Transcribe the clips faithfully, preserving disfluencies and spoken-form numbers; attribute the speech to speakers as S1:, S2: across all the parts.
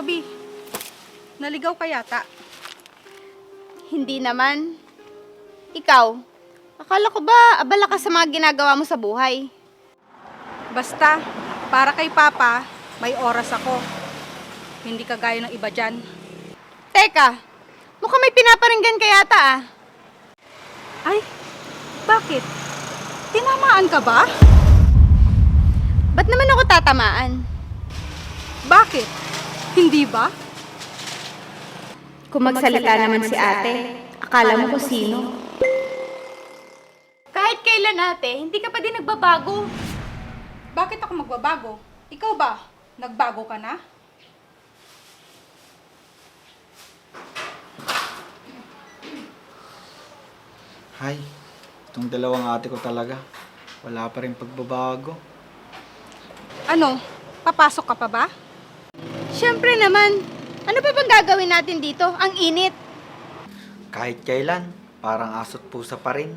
S1: Ruby, naligaw ka yata.
S2: Hindi naman. Ikaw, akala ko ba abala ka sa mga ginagawa mo sa buhay?
S1: Basta, para kay Papa, may oras ako. Hindi kagaya ng iba dyan.
S2: Teka, mukhang may pinaparinggan ka yata ah.
S1: Ay, bakit? Tinamaan ka ba?
S2: Ba't naman ako tatamaan?
S1: Bakit? Hindi ba?
S2: Kung magsalita naman si ate, akala mo kung sino? Kahit kailan ate, hindi ka pa din nagbabago.
S1: Bakit ako magbabago? Ikaw ba? Nagbago ka na?
S3: Hay, itong dalawang ate ko talaga. Wala pa rin pagbabago.
S1: Ano? Papasok ka pa ba?
S2: Siyempre naman, ano pa bang gagawin natin dito? Ang init.
S3: Kahit kailan, parang aso't pusa pa rin.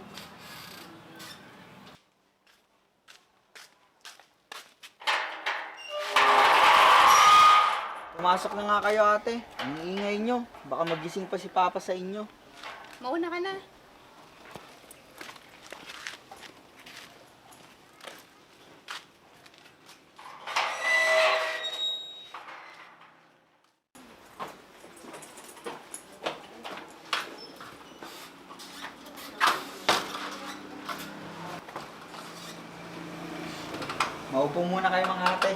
S3: Pumasok na nga kayo ate. Ang ingay nyo. Baka magising pa si Papa sa inyo.
S2: Mauna ka na.
S3: Maupo muna kayo mga ate.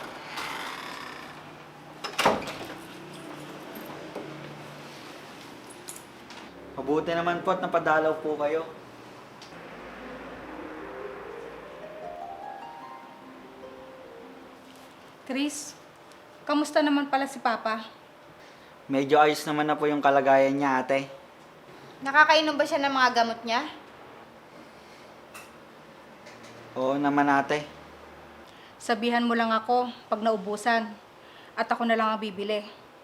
S3: Mabuti naman po at napadalaw po kayo.
S1: Chris, kamusta naman pala si Papa?
S3: Medyo ayos naman na po yung kalagayan niya ate.
S2: Nakakainom ba siya ng mga gamot niya?
S3: Oo naman ate.
S1: Sabihan mo lang ako pag naubusan at ako na lang ang bibili.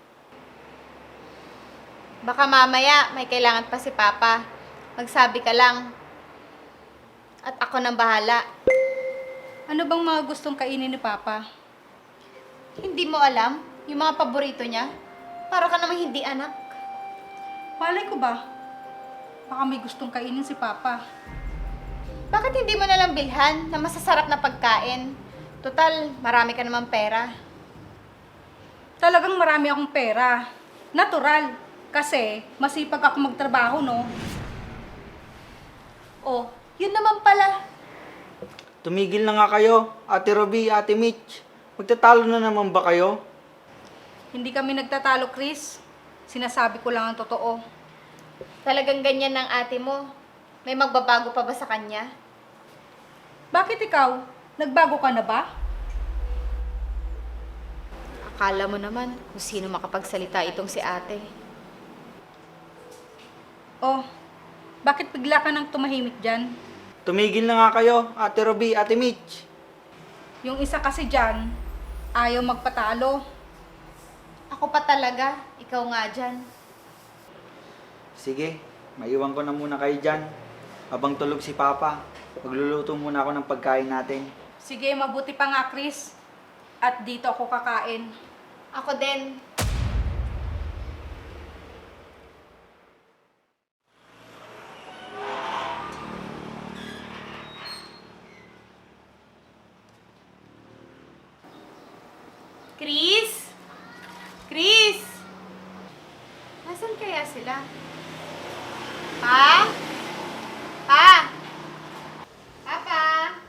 S2: Baka mamaya may kailangan pa si Papa. Magsabi ka lang. At ako nang bahala.
S1: Ano bang mga gustong kainin ni Papa?
S2: Hindi mo alam yung mga paborito niya? Para ka namang hindi anak.
S1: Malay ko ba? Baka may gustong kainin si Papa.
S2: Bakit hindi mo nalang bilhan na masasarap na pagkain? Total, marami ka naman pera.
S1: Talagang marami akong pera. Natural. Kasi masipag ako magtrabaho, no?
S2: Oh, yun naman pala.
S3: Tumigil na nga kayo, Ate Ruby, Ate Mitch. Magtatalo na naman ba kayo?
S1: Hindi kami nagtatalo, Chris. Sinasabi ko lang ang totoo.
S2: Talagang ganyan ng ate mo. May magbabago pa ba sa kanya?
S1: Bakit ikaw? Nagbago ka na ba?
S2: Akala mo naman kung sino makapagsalita itong si ate.
S1: Oh, bakit bigla ka nang tumahimik dyan?
S3: Tumigil na nga kayo, Ate Ruby, Ate Mitch.
S1: Yung isa kasi dyan, ayaw magpatalo.
S2: Ako pa talaga, ikaw nga dyan.
S3: Sige, maiwan ko na muna kayo dyan. Habang tulog si Papa, magluluto muna ako ng pagkain natin.
S1: Sige, mabuti pa nga, Chris. At dito ako kakain.
S2: Ako din. Chris? Chris? Nasaan kaya sila? Pa? Pa? Papa?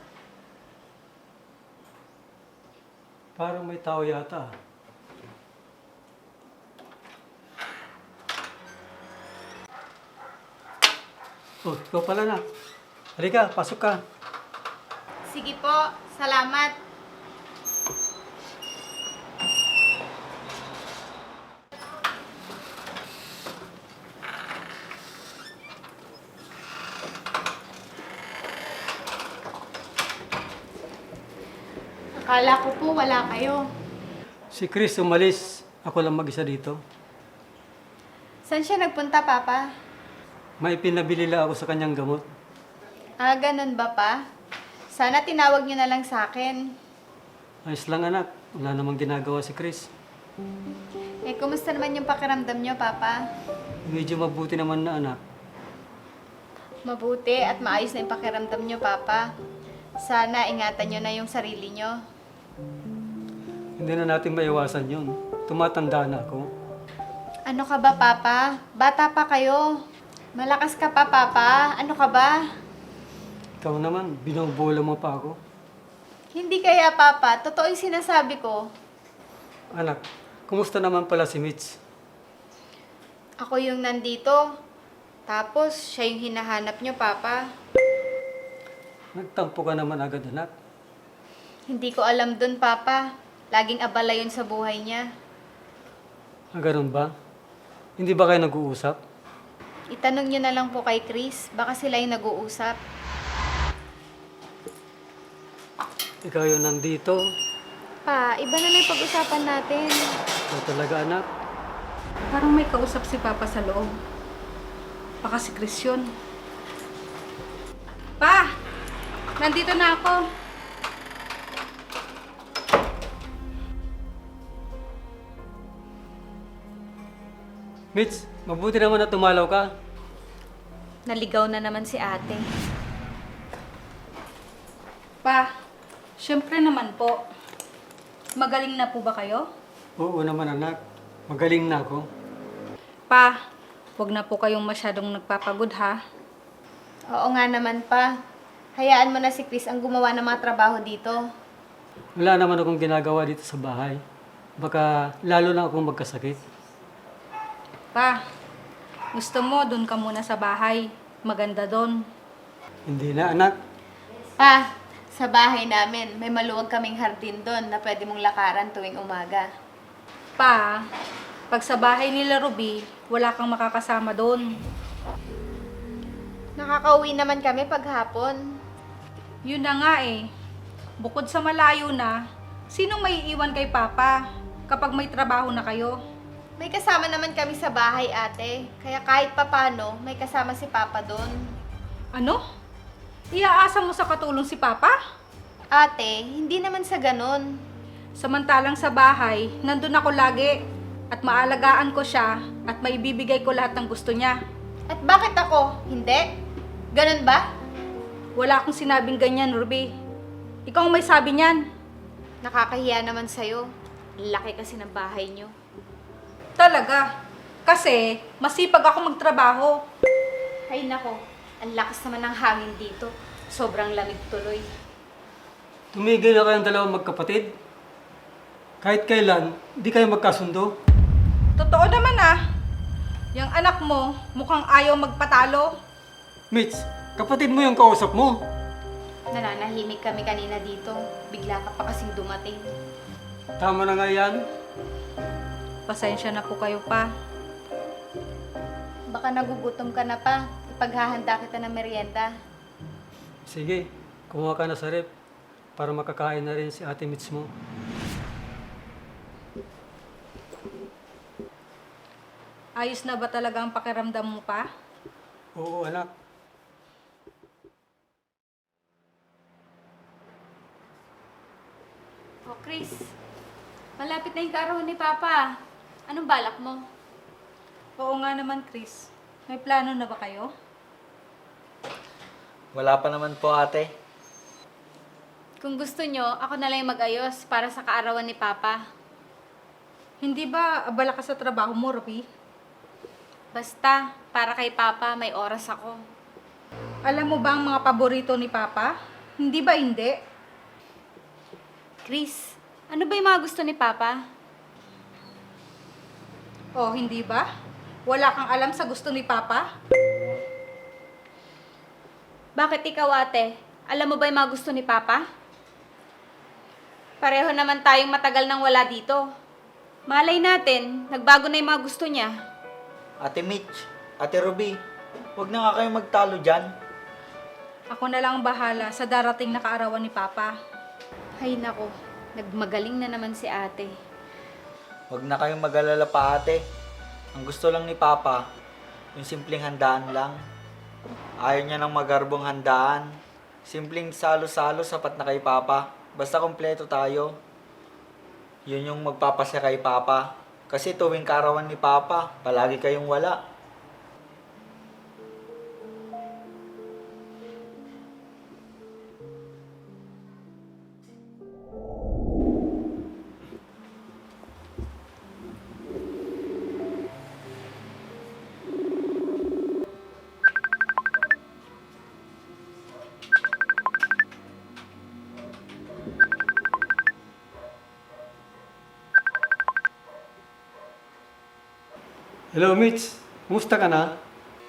S4: Parang may tao yata. Oh, ikaw pala na. Halika, pasok ka.
S2: Sige po, salamat. Akala ko po wala kayo.
S4: Si Chris umalis. Ako lang mag-isa dito.
S2: Saan siya nagpunta, Papa?
S4: May pinabili lang ako sa kanyang gamot.
S2: Ah, ganun ba pa? Sana tinawag niyo na lang sa akin.
S4: Ayos lang anak. Wala namang ginagawa si Chris.
S2: Eh, kumusta naman yung pakiramdam nyo, Papa?
S4: Medyo mabuti naman na anak.
S2: Mabuti at maayos na yung pakiramdam nyo, Papa. Sana ingatan nyo na yung sarili nyo.
S4: Hindi na natin maiwasan yun. Tumatanda na ako.
S2: Ano ka ba, Papa? Bata pa kayo. Malakas ka pa, Papa. Ano ka ba?
S4: Ikaw naman, binobola mo pa ako.
S2: Hindi kaya, Papa. Totoo yung sinasabi ko.
S4: Anak, kumusta naman pala si Mitch?
S2: Ako yung nandito. Tapos, siya yung hinahanap nyo, Papa.
S4: Nagtampo ka naman agad, anak.
S2: Hindi ko alam dun, Papa. Laging abala yun sa buhay niya.
S4: Ah, ganun ba? Hindi ba kayo nag-uusap?
S2: Itanong nyo na lang po kay Chris. Baka sila yung nag-uusap.
S4: Ikaw yung nandito.
S2: Pa, iba na lang yung pag-usapan natin.
S4: Ikaw talaga, anak.
S1: Parang may kausap si Papa sa loob. Baka si Chris yun. Pa! Nandito na ako.
S4: Mitch, mabuti naman na tumalaw ka.
S2: Naligaw na naman si ate.
S1: Pa, syempre naman po. Magaling na po ba kayo?
S4: Oo naman, anak. Magaling na ako.
S1: Pa, huwag na po kayong masyadong nagpapagod ha.
S2: Oo nga naman pa. Hayaan mo na si Chris ang gumawa ng mga trabaho dito.
S4: Wala naman akong ginagawa dito sa bahay. Baka lalo na akong magkasakit.
S1: Pa, gusto mo doon ka muna sa bahay. Maganda doon.
S4: Hindi na, anak.
S2: Pa, sa bahay namin, may maluwag kaming hardin doon na pwede mong lakaran tuwing umaga.
S1: Pa, pag sa bahay nila Ruby, wala kang makakasama doon.
S2: Nakakauwi naman kami paghapon.
S1: Yun na nga eh. Bukod sa malayo na, sinong may iiwan kay Papa kapag may trabaho na kayo?
S2: May kasama naman kami sa bahay, ate. Kaya kahit papano, may kasama si Papa doon.
S1: Ano? Iaasa mo sa katulong si Papa?
S2: Ate, hindi naman sa ganun.
S1: Samantalang sa bahay, nandun ako lagi at maalagaan ko siya at maibibigay ko lahat ng gusto niya.
S2: At bakit ako? Hindi? Ganun ba?
S1: Wala akong sinabing ganyan, Ruby. Ikaw ang may sabi niyan.
S2: Nakakahiya naman sa'yo. Laki kasi ng bahay niyo.
S1: Talaga. Kasi masipag ako magtrabaho.
S2: Ay nako, ang lakas naman ng hangin dito. Sobrang lamig tuloy.
S4: Tumigil na kayong dalawang magkapatid. Kahit kailan, di kayo magkasundo.
S1: Totoo naman ah. Yung anak mo, mukhang ayaw magpatalo.
S4: Mitch, kapatid mo yung kausap mo.
S2: Nananahimik kami kanina dito. Bigla ka pa kasing dumating.
S4: Tama na nga yan.
S1: Pasensya na po kayo pa.
S2: Baka nagugutom ka na pa. Ipaghahanda kita ng merienda.
S4: Sige, kumuha ka na sa rep para makakain na rin si Ate Mitch mo.
S1: Ayos na ba talaga ang pakiramdam mo pa?
S4: Oo, anak.
S2: Oh, Chris. Malapit na yung kaarawan ni Papa. Anong balak mo?
S1: Oo nga naman, Chris. May plano na ba kayo?
S3: Wala pa naman po, ate.
S2: Kung gusto nyo, ako na lang yung mag-ayos para sa kaarawan ni Papa.
S1: Hindi ba abala ka sa trabaho mo, Ruby?
S2: Basta, para kay Papa, may oras ako.
S1: Alam mo ba ang mga paborito ni Papa? Hindi ba hindi?
S2: Chris, ano ba yung mga gusto ni Papa?
S1: O, hindi ba? Wala kang alam sa gusto ni Papa?
S2: Bakit ikaw, ate? Alam mo ba yung mga gusto ni Papa? Pareho naman tayong matagal nang wala dito. Malay natin, nagbago na yung mga gusto niya.
S3: Ate Mitch, Ate Ruby, huwag na nga kayong magtalo dyan.
S1: Ako na lang ang bahala sa darating na kaarawan ni Papa.
S2: Ay nako, nagmagaling na naman si ate.
S3: Huwag na kayong mag-alala pa, ate. Ang gusto lang ni Papa, yung simpleng handaan lang. Ayaw niya ng magarbong handaan. Simpleng salo-salo sapat na kay Papa. Basta kompleto tayo. Yun yung magpapasya kay Papa. Kasi tuwing karawan ni Papa, palagi kayong wala.
S4: Hello, Mitch. Kumusta ka na?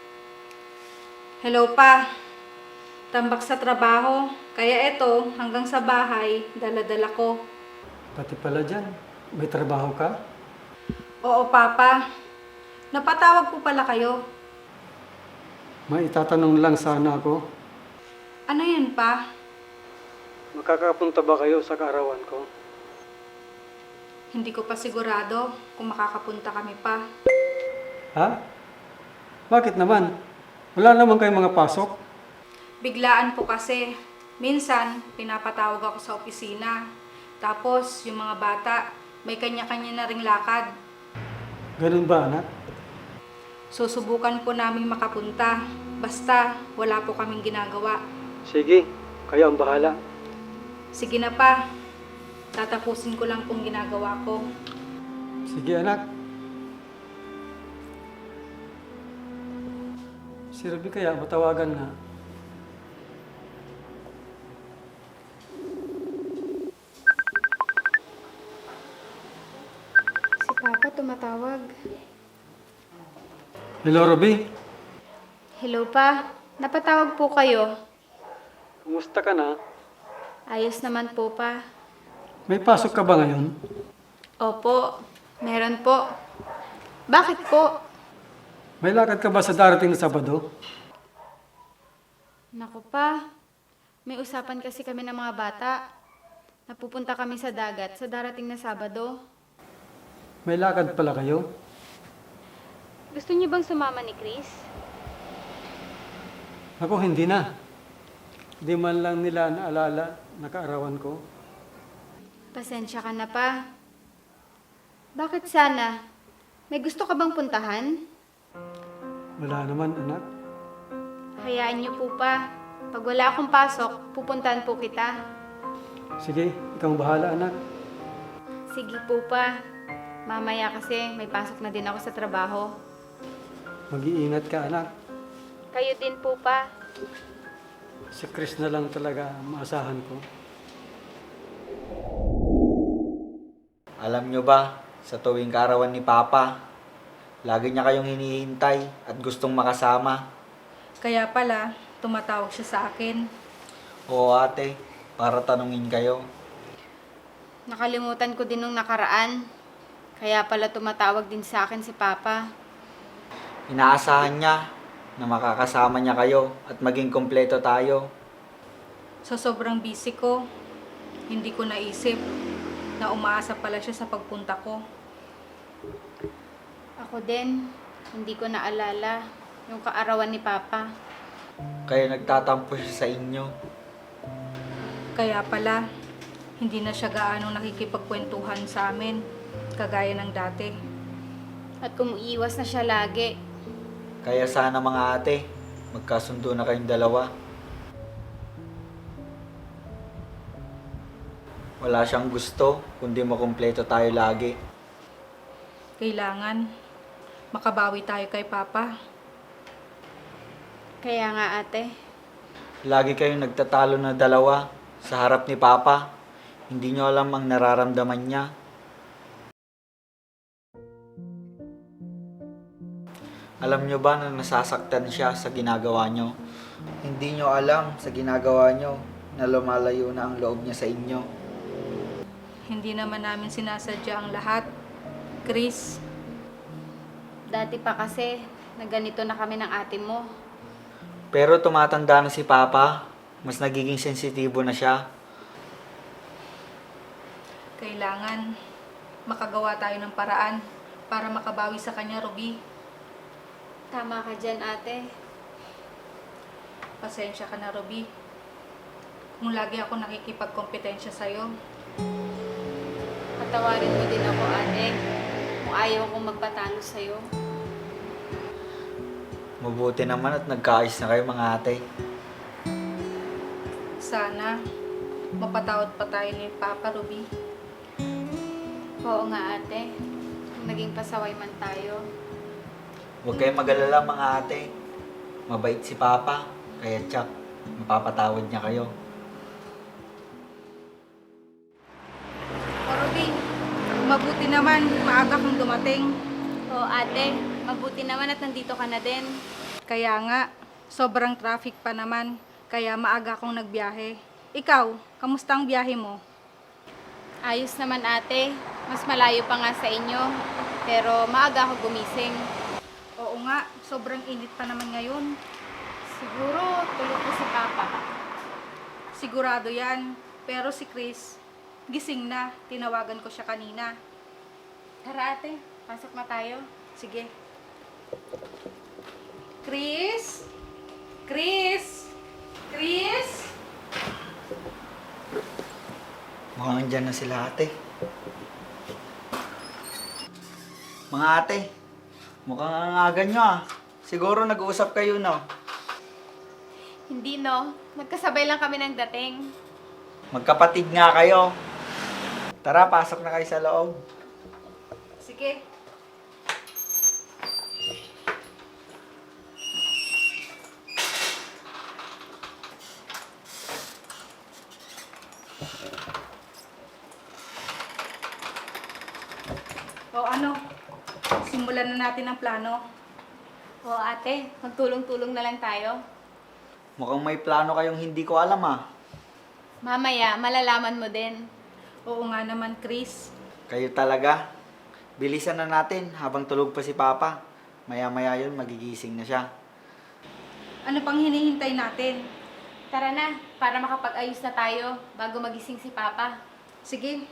S1: Hello pa. Tambak sa trabaho. Kaya eto, hanggang sa bahay, dala-dala ko.
S4: Pati pala dyan. May trabaho ka?
S1: Oo, Papa. Napatawag po pala kayo.
S4: May itatanong lang sana ako.
S1: Ano yan, Pa?
S4: Makakapunta ba kayo sa kaarawan ko?
S1: Hindi ko pa sigurado kung makakapunta kami pa.
S4: Ha? Bakit naman? Wala naman kayong mga pasok?
S1: Biglaan po kasi. Minsan, pinapatawag ako sa opisina. Tapos, yung mga bata, may kanya-kanya na ring lakad.
S4: Ganun ba, anak?
S1: Susubukan po namin makapunta. Basta, wala po kaming ginagawa.
S4: Sige, kayo ang bahala.
S1: Sige na pa. Tatapusin ko lang pong ginagawa ko.
S4: Sige, anak. Si Ruby kaya matawagan na.
S2: Si Papa tumatawag.
S4: Hello, Ruby.
S2: Hello pa, napatawag po kayo.
S4: Kumusta ka na?
S2: Ayos naman po pa.
S4: May pasok ka ba ngayon?
S2: Opo, meron po. Bakit po?
S4: May lakad ka ba sa darating na Sabado?
S2: Naku pa, may usapan kasi kami ng mga bata. Napupunta kami sa dagat sa darating na Sabado.
S4: May lakad pala kayo?
S2: Gusto niyo bang sumama ni Chris?
S4: Ako, hindi na. Di man lang nila naalala na kaarawan ko.
S2: Pasensya ka na pa. Bakit sana? May gusto ka bang puntahan?
S4: Wala naman, anak.
S2: Hayaan niyo po pa. Pag wala akong pasok, pupuntahan po kita.
S4: Sige, ikaw ang bahala, anak.
S2: Sige po pa. Mamaya kasi may pasok na din ako sa trabaho.
S4: Mag-iingat ka, anak.
S2: Kayo din po pa.
S4: Si Chris na lang talaga ang maasahan ko.
S3: Alam nyo ba, sa tuwing karawan ni Papa, lagi niya kayong hinihintay at gustong makasama.
S1: Kaya pala, tumatawag siya sa akin.
S3: Oo ate, para tanungin kayo.
S2: Nakalimutan ko din nung nakaraan. Kaya pala tumatawag din sa akin si Papa.
S3: Inaasahan niya na makakasama niya kayo at maging kompleto tayo.
S1: Sa sobrang busy ko, hindi ko naisip na umaasa pala siya sa pagpunta ko.
S2: Ako din, hindi ko naalala yung kaarawan ni Papa.
S3: Kaya nagtatampo siya sa inyo.
S1: Kaya pala, hindi na siya gaano nakikipagkwentuhan sa amin, kagaya ng dati.
S2: At kumuiwas na siya lagi.
S3: Kaya sana mga ate, magkasundo na kayong dalawa. Wala siyang gusto, kundi makumpleto tayo lagi.
S1: Kailangan, makabawi tayo kay Papa.
S2: Kaya nga ate,
S3: Lagi kayong nagtatalo na dalawa sa harap ni Papa. Hindi nyo alam ang nararamdaman niya. Alam nyo ba na nasasaktan siya sa ginagawa nyo? Hindi nyo alam sa ginagawa nyo na lumalayo na ang loob niya sa inyo.
S1: Hindi naman namin sinasadya ang lahat. Chris,
S2: dati pa kasi na ganito na kami ng ate mo.
S3: Pero tumatanda na si Papa, mas nagiging sensitibo na siya.
S1: kailangan makagawa tayo ng paraan para makabawi sa kanya, Ruby.
S2: Tama ka dyan ate.
S1: Pasensya ka na, Ruby. Kung lagi ako nakikipagkompetensya sa'yo.
S2: At Patawarin mo din ako, ate. Kung ayaw kong magpatalo sa'yo.
S3: Mabuti naman at nagkaayos na kayo mga ate.
S1: Sana mapatawad pa tayo ni Papa Ruby.
S2: Oo nga, ate. Kung naging pasaway man tayo.
S3: Huwag kayong mag-alala mga ate. Mabait si Papa, kaya tsak, mapapatawad niya kayo.
S1: O Ruby, mabuti naman, maaga kang dumating.
S2: Oo, ate. Mabuti naman at nandito ka na din.
S1: Kaya nga, sobrang traffic pa naman, kaya maaga akong nagbiyahe. Ikaw, kamusta ang biyahe mo?
S2: Ayos naman, ate. Mas malayo pa nga sa inyo. Pero maaga ako gumising.
S1: Oo nga, sobrang init pa naman ngayon.
S2: Siguro tulog ko si Papa.
S1: Sigurado yan, pero si Chris, gising na, tinawagan ko siya kanina.
S2: Tara, ate. Pasok na tayo.
S1: Sige. Chris? Chris? Chris?
S3: Mukhang andyan na sila ate. Mga ate, mukhang ang aga nyo ah. Siguro nag-uusap kayo no.
S2: Hindi, no? Magkasabay lang kami ng dating.
S3: Magkapatid nga kayo. Tara, pasok na kayo sa loob.
S1: Sige. O ano, simulan na natin ang plano.
S2: Oo, ate. Magtulong-tulong na lang tayo.
S3: Mukhang may plano kayong hindi ko alam ah.
S2: Mamaya, malalaman mo din.
S1: Oo nga naman, Chris.
S3: Kayo talaga. Bilisan na natin habang tulog pa si Papa. Maya-maya yun, magigising na siya.
S1: Ano pang hinihintay natin?
S2: Tara na, para makapag-ayos na tayo bago magising si Papa.
S1: Sige.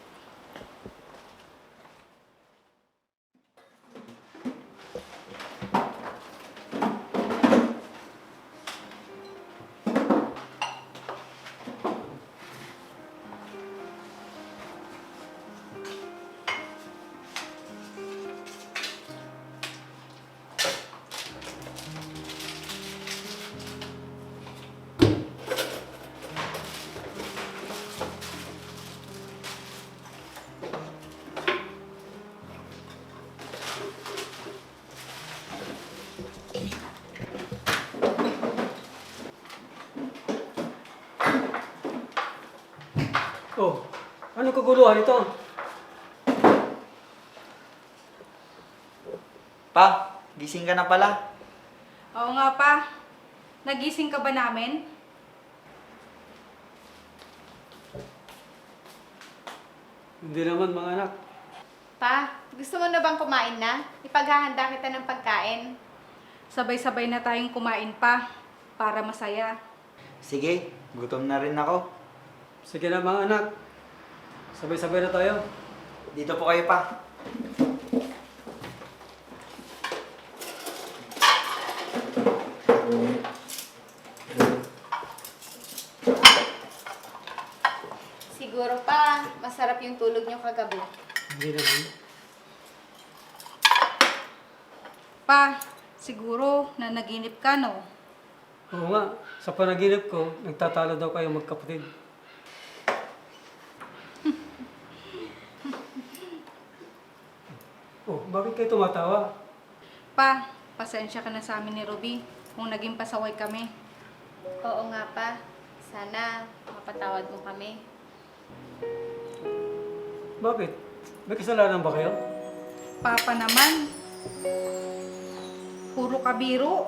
S4: Oh, ano kaguluhan ito?
S3: Pa, gising ka na pala.
S1: Oo nga pa. Nagising ka ba namin?
S4: Hindi naman mga anak.
S2: Pa, gusto mo na bang kumain na? Ipaghahanda kita ng pagkain.
S1: Sabay-sabay na tayong kumain pa para masaya.
S3: Sige, gutom na rin ako.
S4: Sige na mga anak. Sabay-sabay na tayo.
S3: Dito po kayo pa.
S2: Siguro pa, masarap yung tulog niyo kagabi.
S4: Hindi naman.
S1: Pa, siguro na naginip ka, no?
S4: Oo nga, sa panaginip ko, nagtatalo daw kayo magkapatid. Oh, bakit kayo tumatawa?
S1: Pa, pasensya ka na sa amin ni Ruby kung naging pasaway kami.
S2: Oo nga pa, sana mapatawad mo kami.
S4: Bakit? May kasalanan ba kayo?
S1: Papa naman, puro kabiro.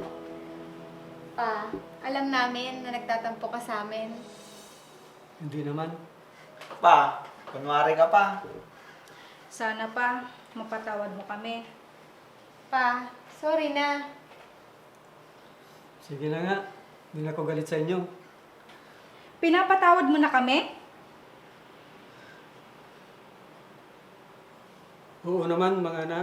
S2: Pa, alam namin na nagtatampo ka sa amin.
S4: Hindi naman.
S3: Pa, kunwari ka pa.
S1: Sana pa, mapatawad mo kami.
S2: Pa, sorry na.
S4: Sige na nga, hindi na ako galit sa inyo.
S1: Pinapatawad mo na kami?
S4: Oo naman mga anak.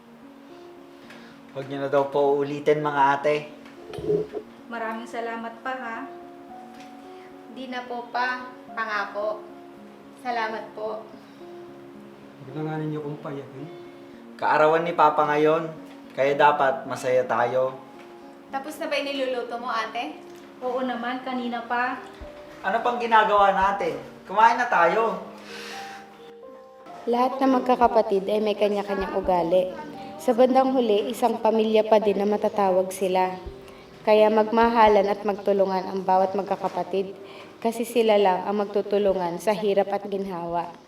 S3: Huwag niyo na daw po ulitin mga ate.
S1: Maraming salamat pa, ha?
S2: Di na po pa, pangako. Salamat po.
S4: Huwag na nga ninyo kong payakin.
S3: Kaarawan ni Papa ngayon, kaya dapat masaya tayo.
S2: Tapos na ba iniluluto mo, ate?
S1: Oo naman, kanina pa.
S3: Ano pang ginagawa natin? Kumain na tayo.
S2: Lahat ng magkakapatid ay may kanya-kanyang ugali. Sa bandang huli, isang pamilya pa din na matatawag sila. Kaya magmahalan at magtulungan ang bawat magkakapatid kasi sila lang ang magtutulungan sa hirap at ginhawa.